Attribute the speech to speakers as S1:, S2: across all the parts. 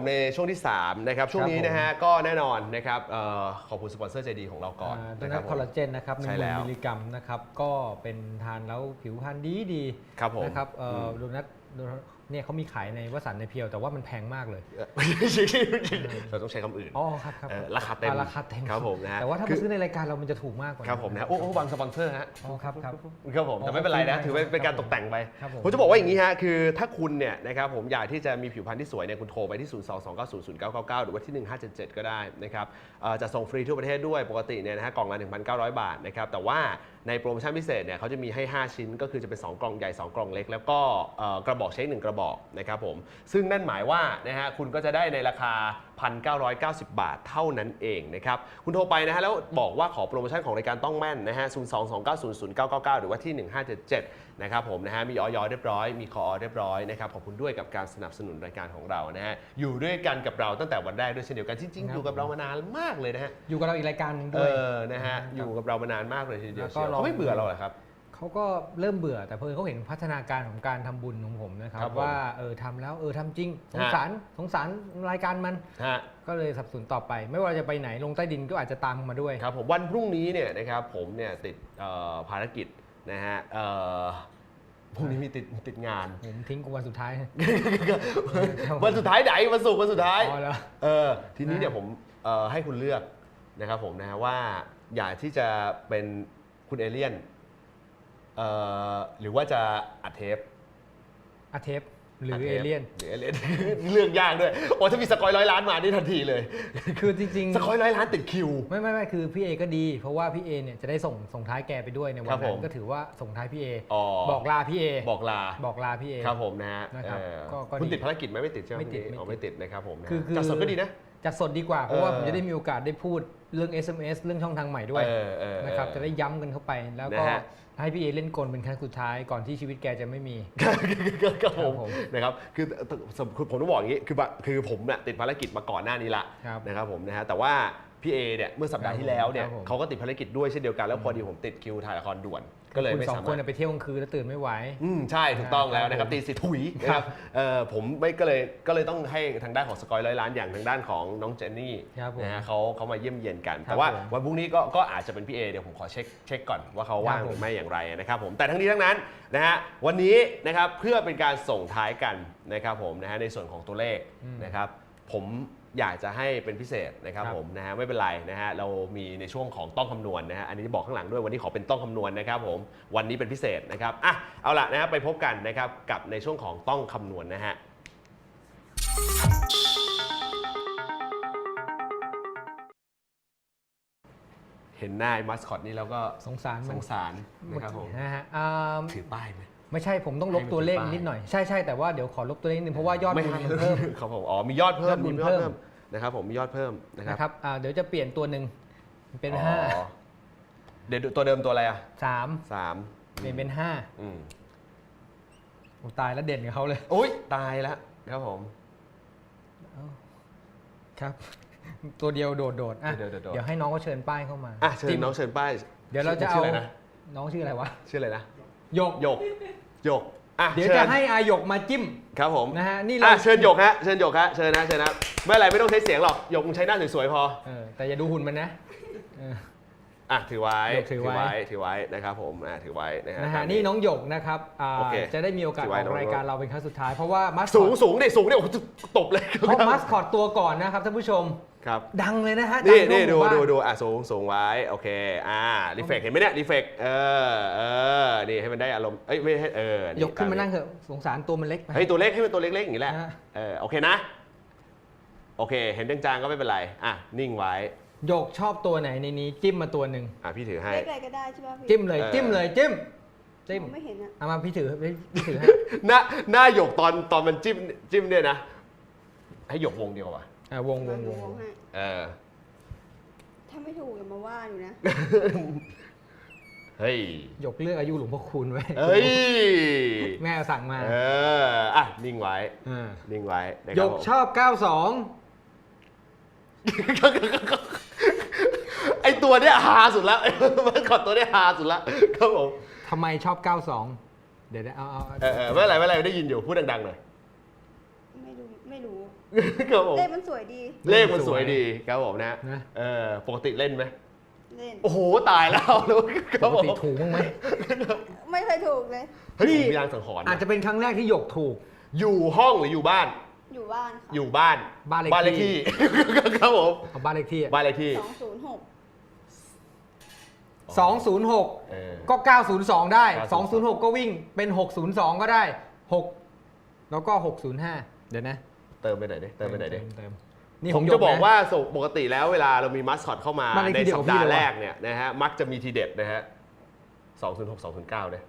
S1: ในช่วงที่3นะครับช่วงนี้นะฮะก็แน่นอนนะครับขอบคุณสปอนเซอร์ใจดีของเราก่อน
S2: นะครับคอลลาเจนนะครับ1,000 มิลลิกรัมนะครับก็เป็นทานแล้วผิวพรรณดีนะครับโดนัทเนี่ยเขามีขายในวสันต์ในเพียวแต่ว่ามันแพงมากเลย
S1: เราต้องใช้คำอื่น
S2: อ๋อครับ
S1: ราคาเต็มครับผมนะ
S2: แต่ว่าถ้ามาซื้อในรายการเรามันจะถูกมากกว่า
S1: ครับผมนะโอ้บางสปอนเซอร์ฮะ
S2: อ๋อครับ
S1: ผมแต่ไม่เป็นไรนะถือว่าเป็นการตกแต่งไปผมจะบอกว่าอย่างนี้ฮะคือถ้าคุณเนี่ยนะครับผมอยากที่จะมีผิวพรรณที่สวยเนี่ยคุณโทรไปที่022900999หรือว่าที่1577ก็ได้นะครับจะส่งฟรีทั่วประเทศด้วยปกติเนี่ยนะฮะกล่องละ 1,900 บาทนะครับแต่ว่าในโปรโมชั่นพิเศษเนี่ยเขาจะมีให้5ชิ้นก็คือจะเป็น2กล่องใหญ่2กล่องเล็กแล้วก็กระบอกเช็ค1กระบอกนะครับผมซึ่งนั่นหมายว่านะฮะคุณก็จะได้ในราคา 1,990 บาทเท่านั้นเองนะครับคุณโทรไปนะฮะแล้วบอกว่าขอโปรโมชั่นของรายการต้องแม่นนะฮะ022900999หรือว่าที่1577นะครับผมนะฮะมีออยเรียบร้อยมีคอเรียบร้อยนะครับขอบคุณด้วยกับการสนับสนุนรายการของเรานะฮะอยู่ด้วยกันกับเราตั้งแต่วันแรกด้วยเช่นเดียวกันจริงๆอยู่กับเรามานานมากเลยนะฮะ
S2: อยู่กับเราอีกรายการด้วย
S1: นะฮะอยู่กับเรามานานมากเลยทีเดียวเขาไม่เบื่อเราเหรอครับ
S2: เขาก็เริ่มเบื่อแต่เพิ่งเขาเห็นพัฒนาการของการทำบุญของผมนะครับว่าทำแล้วทำจริงสงสารรายการมันก็เลยสนับสนุนต่อไปไม่ว่าจะไปไหนลงใต้ดินก็อาจจะตามมาด้วย
S1: ครับผมวันพรุ่งนี้เนี่ยนะครับผมเนี่ยติดภารกิจนะฮะพรุ่งนี้มีติดงาน
S2: ผมทิ้งกูวันสุดท้าย
S1: วันสุดท้ายไหนวันศุกร์วันสุดท้ายทีนี้เนี่ยผมให้คุณเลือกนะครับผมนะฮะว่าอยากที่จะเป็นคุณเอเลี่ยนหรือว่าจะอัดเทป
S2: หรือเอเลี่ยน
S1: เลือกยากด้วยโอ้ถ้ามีสกอย100 ล้านมาได้ทันทีเลย
S2: คือจริง
S1: ๆสกอย100 ล้านติดคิว
S2: ไม่คือพี่เอก็ดีเพราะว่าพี่เอเนี่ยจะได้ส่งท้ายแกไปด้วยในวันนั้นก็ถือว่าส่งท้ายพี่เอบอกลาพี่เอบอกลาพี่เอ
S1: ครับผมนะฮะคุณติดภารกิจไหมไม่ติดใช่ไหมไม่ติดนะครับผมจัดสดก็ดีนะ
S2: จัดสดดีกว่าเพราะว่าผมจะได้มีโอกาสได้พูดเรื่อง SMS เรื่องช่องทางใหม่ด้วยนะครับจะได้ย้ำกันเข้าไปแล้วก็ให้พี่เอเล่นกลเป็นครั้งสุดท้ายก่อนที่ชีวิตแกจะไม่มี
S1: ครับผมนะครับคือผมต้องบอกอย่างนี้คือผมเนี่ยติดภารกิจมาก่อนหน้านี้ละนะครับผมนะฮะแต่ว่าพี่เอเนี่ยเมื่อสัปดาห์ที่แล้วเนี่ยเขาก็ติดภารกิจด้วยเช่นเดียวกันแล้วพอดีผมติดคิวถ่ายละครด่วนก็เลยไม่สามารถ
S2: คุณ2 คนไปเที่ยวกลางคืนแล้วตื่นไม่ไหว
S1: ใช่ถูกต้องแล้วนะครับตี4ถุยนะครับผมไม่ก็เลยต้องให้ทางด้านของสกอย100 ล้านอย่างทางด้านของน้องเจนนี่นะฮะเขามาเยี่ยมเยียนกันแต่ว่าวันพรุ่งนี้ก็อาจจะเป็นพี่เอเดี๋ยวผมขอเช็คก่อนว่าเขาว่างหรือไม่อย่างไรนะครับผมแต่ทั้งนี้ทั้งนั้นนะฮะวันนี้นะครับเพื่อเป็นการส่งท้ายกันนะครับผมนะฮะในส่วนของตัวเลขนะครับผมอยากจะให้เป็นพิเศษนะครับผมนะฮะไม่เป็นไรนะฮะเรามีในช่วงของต้องคำนวณนะฮะอันนี้บอกข้างหลังด้วยวันนี้ขอเป็นต้องคำนวณนะครับผมวันนี้เป็นพิเศษนะครับเอาล่ะนะครับไปพบกันนะครับกับในช่วงของต้องคำนวณนะฮะเห็นหน้ามัสคอตนี่แล้วก็
S2: สงสาร
S1: นะครับผม
S2: นะฮะ
S1: ถือป้ายไหม
S2: ไม่ใช่ผมต้องลบตัวเลขนิดหน่อยใช่แต่ว่าเดี๋ยวขอลบตัวเลขนิดนึงเพราะว่ายอดบุญมันเพิ่ม
S1: ครับผมมียอดเพิ่มนะครับผมมียอดเพิ่ม
S2: นะครับเดี๋ยวจะเปลี่ยนตัวหนึ่งเป็น5
S1: เดี๋ยวตัวเดิมตัวอะไร
S2: 3เปลี่ยนเป็น5โอ้ตายแล้วเด่นกับเขาเลย
S1: โอ๊ยตายแล้วครับผม
S2: ครับตัวเดียวโดดเดี๋ยวให้น้องเขาเชิญป้ายเข้ามา
S1: เชิญน้องเชิญป้าย
S2: เดี๋ยวเราจะเอาน้องชื่ออะไรวะ
S1: ชื่ออะไรนะ
S2: หยกเดี๋ยวจะให้อาหยกมาจิ้ม
S1: ครับผม
S2: นะฮะนี่เรา
S1: เชิญหยกฮะเชิญนะไม่อะไรไม่ต้องใช้เสียงหรอกหยกใช้หน้าสวยๆพอ
S2: แต่อย่าดูหุ่นมันนะ
S1: ถือไว้นะครับผมถือไว้นะฮะ
S2: นี่น้องหยกนะครับจะได้มีโอกาสออกรายการเราเป็นครั้งสุดท้ายเพราะว่า
S1: สูงดิตบเลย
S2: เพราะมัสคอตตัวก่อนนะครับท่านผู้ชม
S1: ครับ
S2: ดังเลยนะฮะ
S1: นี่ดูสูงไว้โอเครีเฟกเห็นไหมเนี่ยรีเฟกนี่ให้มันได้อารมณ์ไม่ให้
S2: ยกขึ้นมานั่งเถอะสงสารตัวมันเล็กไป
S1: ตัวเล็กให้มันตัวเล็กๆอย่างนี้แหละโอเคนะโอเคเห็นจางๆก็ไม่เป็นไรนิ่งไว้
S2: หยกชอบตัวไหนในนี้จิ้มมาตัวหนึ่ง
S1: พี่ถือให้
S3: เล็กอะไรก็ได้ใช่ป่ะพี่
S2: จิ้มเลยจิ้ม
S3: ไม่เห็น
S2: เอามาพี่ถือให้
S1: หน้าหยกตอนมันจิ้มเนี่ยนะให้หยกวงเดียวว่ะ
S2: วง
S3: ให้ถ้าไม่ถูกอย่ามาว่าอยู่นะ
S1: เฮ้ย
S2: หยกเลือกอายุหลวงพ่อคูณไว้แม่สั่งมา
S1: นิ่งไว้
S2: หยกชอบ92
S1: ไอตัวเนี้ยฮาสุดแล้วมันขอตัวเนี้ยฮาสุดแล้วครับผม
S2: ทำไมชอบ92เดี๋ยวเอา
S1: ไม่อะไรได้ยินอยู่พูดดังๆหน่อย
S3: ไไม่รู้
S1: ครับผม
S3: เลขมันสวยดี
S1: เลขมันสวยดีครับผมนะ
S2: นะ
S1: ปกติเล่นไหม
S3: เล่น
S1: โอ้โหตายแล้วค
S2: ป
S1: รับ
S2: ก
S1: ผม
S2: ติถูกบ้างไหม
S3: ไม่เคยถูกเลย
S1: เฮ้ยผมมีรางสังหรณ์
S2: อาจจะเป็นครั้งแรกที่หยกถูก
S1: อยู่ห้องหรืออยู่บ้าน
S3: อยู่บ้านค่ะ
S1: อยู่บ้าน
S2: บ้านเลข
S1: เลข
S2: ที่
S1: ที่ ครับผม
S2: เอาบ้านเลขที่อะ
S1: บ้านเลขที่
S3: 206
S2: 206
S1: เออ
S2: ก็ 902 ได้
S1: 902
S2: 206 ก็วิ่งเป็น 602 ก็ได้ 6 แล้วก็ 605 เดี๋ยวนะ
S1: เติมไปไหนดิเติมไปไหนดิ
S2: เติม
S1: ผมจะบอกว่าปกติแล้วเวลาเรามีมัสคอตเข้ามา
S2: บ้านเลขที่
S1: ใน
S2: เดียว
S1: สั
S2: กั
S1: ป
S2: บพี่
S1: ดาห์
S2: เลยว่ะ
S1: แรกเนี่ยนะฮะมักจะมีทีเด็ดนะฮะ206 209เนี่ย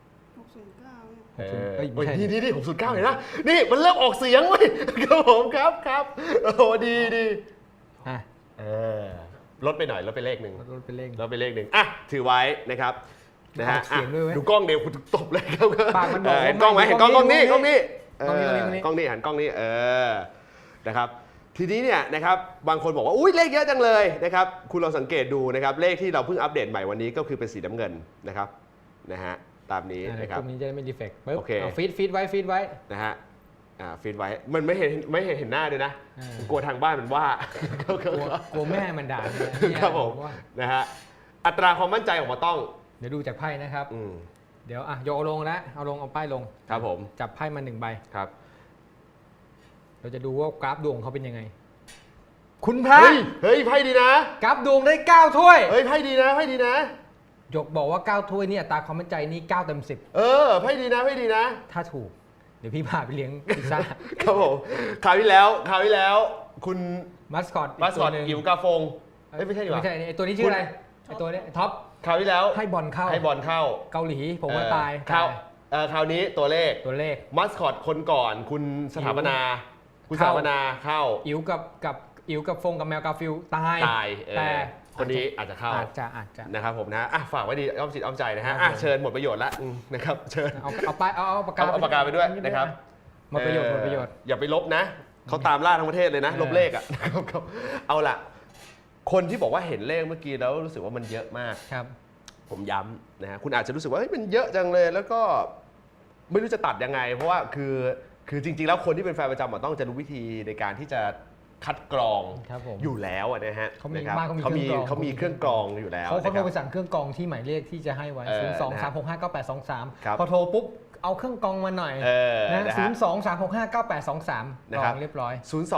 S3: 609
S1: เออ
S2: เอ้ยไม่ใช่
S1: นี่609เห็นนะนี่มันเริ่มออกเสียงเว้ยครับผมครับโอ้โหดีดี
S2: อ่ะ
S1: เออลดไปหน่อยลดไปเลขหนึ่ง
S2: ลดเป็นเลข
S1: ลดไปเลขหนึ่งอ่ะถือไว้นะครับนะฮะ
S2: ออกเสียงด้วยเว้ย
S1: ดูกล้องเดียวคุณตบเลยครับ
S2: ปากมันบอกว่า
S1: เห็นกล้องไหม
S2: ไม่
S1: เห็นกล้อง
S2: กล้องนี้
S1: กล้องนี้
S2: กล้องนี้
S1: กล้องนี้หันกล้องนี้นะครับทีนี้เนี่ยนะครับบางคนบอกว่าอุ้ยเลขเยอะจังเลยนะครับคุณลองสังเกตดูนะครับเลขที่เราเพิ่งอัปเดตใหม่วันนี้ก็คือเป็นสีน้ำเงินนะครับนะฮะตามนี้นะครับ
S2: ตรงนี้จะได้ไม่ดีเฟกต์ปึ๊บ
S1: โอเค
S2: เอาฟีดไว้
S1: นะฮะฟีดไว้มันไม่เห็นหน้าด้วยนะ
S2: อ่า
S1: กลัวทางบ้านมันว่า
S2: กลัวแม่มันด่าเนี่ย
S1: ครับผม
S2: ว่า
S1: นะฮะอัตราความมั่นใจออกมาต้อง
S2: เดี๋ยวดูจากไพ่นะครับ
S1: อืม
S2: เดี๋ยวอ่ะโยกเอาลงแล้วเอาลงเอาป้ายลง
S1: ครับผม
S2: จับไพ่มา1 ใบ
S1: ครับ
S2: เราจะดูว่ากราฟดวงเขาเป็นยังไง คุณพระ
S1: เฮ้ยไพ่ดีนะ
S2: กราฟดวงได้ 9 ถ้วย
S1: เฮ้ยไพ่ดีนะไพ่ดีนะ
S2: หยกบอกว่า 9 ถ้วยเนี่ยอัตราความมั่นใจนี่9 เต็ม
S1: ไพ่ดีนะไพ่ดีนะ
S2: 10 ถ้าถูก เดี๋ยวพี่พาไปเลี้ยงพิซซ่า
S1: ครับผมคราวที่แล้วคุณ
S2: มัสคอต
S1: มาสคอต
S2: หนึ่ง
S1: อิ๋วกาฟงเฮ้ยไม่ใช่ดีกว่า
S2: ไม่ใช่ไอตัวนี้ชื่ออะไรไอตัวนี้ท็อป
S1: คราวที่แล้ว
S2: ให้บอลเข้า
S1: ให้บอลเข้า
S2: เกาหลีผมว่าตาย
S1: คราวคราวนี้ตัวเลข
S2: ตัวเลข
S1: มาสคอตคนก่อนคุณสถาปนาคุณสถาปนาเข้า
S2: อิ๋วกับฟงกับแมวกาฟิลตาย
S1: ตาย
S2: แต่
S1: คนนี้อาจจะเข้า
S2: อาจจะ
S1: นะครับผมนะฝากไว้ดีอ้อมจิตอ้อมใจนะฮะ
S2: ครับผม
S1: เชิญหมดประโยชน์ละนะครับเชิญ
S2: เอาไปเอาปากกา
S1: เอาปากกาไปด้วยนะครับ
S2: หมดประโยชน์หมดประโยชน์
S1: อย่าไปลบนะเขาตามล่าทั้งประเทศเลยนะ ลบเลขอ่ะ เอาล่ะ คนที่บอกว่าเห็นเลขเมื่อกี้แล้วรู้สึกว่ามันเยอะมาก
S2: ครับ
S1: ผมย้ำนะฮะคุณอาจจะรู้สึกว่าเฮ้ยมันเยอะจังเลยแล้วก็ไม่รู้จะตัดยังไง เพราะว่าคือจริงๆแล้วคนที่เป็นแฟนประจำต้องจะรู้วิธีในการที่จะคัดกรอง
S2: ครับผม
S1: อยู่แล้วนะฮะ
S2: เขามี
S1: นะครับ
S2: บ้านเขามี
S1: เขามีเครื่องกรองอยู่แล้ว
S2: เขา
S1: นะค
S2: โท
S1: รั
S2: ร
S1: บ
S2: ไปสั่งเครื่องกรองที่หมายเลขที่จะให้ไว้ 0 2 3 6 5 9 8 2
S1: ครับ
S2: 3 พอโทรปุ๊บเอาเครื่องกรองมาหน่อย
S1: นะ
S2: นะ
S1: ฮะ
S2: 0 2 3 6 5 9 8 2 3
S1: นะ
S2: กร
S1: ครั
S2: อบ งเรียบร้อย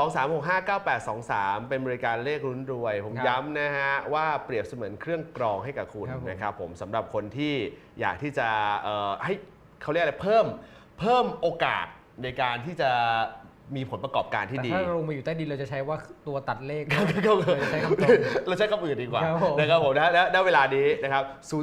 S1: 023659823 เป็นบริการเลขลุ้นรวย ผม
S2: ครับ
S1: ย้ำนะฮะว่าเปรียบเสมือนเครื่องกรองให้กับคุณ
S2: ครับผม
S1: นะครับผมสำหรับคนที่อยากที่จะให้เขาเรียกอะไรเพิ่มโอกาสในการที่จะมีผลประกอบการที่
S2: แต่
S1: ดี
S2: ถ้าเราลงมาอยู่ใต้ดินเราจะใช้ว่าตัวตัดเลข
S1: ก็
S2: เราจะใช้คำตรง
S1: เราใช้คำอื่นดีกว่า
S2: ครับผม
S1: นะครับผมนะและเวลานี้นะครับ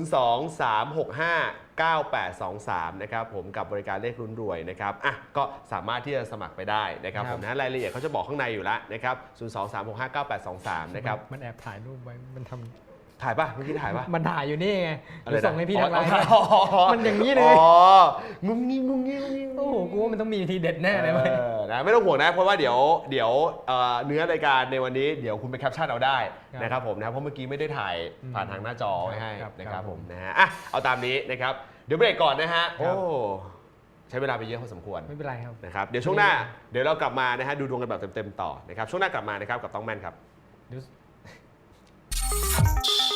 S1: 023659823 นะครับผมกับบริการเลขลุ้นรวยนะครับก็สามารถที่จะสมัครไปได้นะครับผมนะรายละเอียดเขาจะบอกข้างในอยู่แล้วนะครับ 023659823 นะครับ
S2: มันแอบถ่ายรูปไว้มันทำ
S1: ถ่ายป่ะเมื่อกี้ถ่ายป่ะ
S2: มันถ่ายอยู่นี่ไง
S1: อะไร
S2: เดี๋ยวส่งให้พี่ทางไลน์
S1: อ๋อ
S2: มันอย่างนี้เลย
S1: งุ้งงิ้งงุ้งงิ้งงุ้งงิ้ง
S2: โอ้โหกูว่ามันต้องมีทีเด็ดแน่เลยเว้ย
S1: นะไม่ต้องห่วงนะเพราะว่าเดี๋ยวเนื้อรายการในวันนี้เดี๋ยวคุณไปแคปชั่นเอาได้
S2: ครับ
S1: นะครับผมนะเพราะเมื่อกี้ไม่ได้ถ่ายผ่านทางหน้าจอไว้ให้
S2: ครับ
S1: นะครับ
S2: ครับ
S1: ผมนะฮะเอาตามนี้นะครับเดี๋ยวเบรกก่อนนะฮะ
S2: ครั
S1: โอ้
S2: บ
S1: ใช้เวลาไปเยอะพอสมควร
S2: ไม่เป็นไรครับ
S1: นะครับเดี๋ยวช่วงหน้าเดี๋ยวเรากลับมานะฮะดูดวงกันแบบเต็มๆต่อนะครับช่วงหน้ากลับมานะครับกับต้องแม่นครับ
S2: เดี๋ยว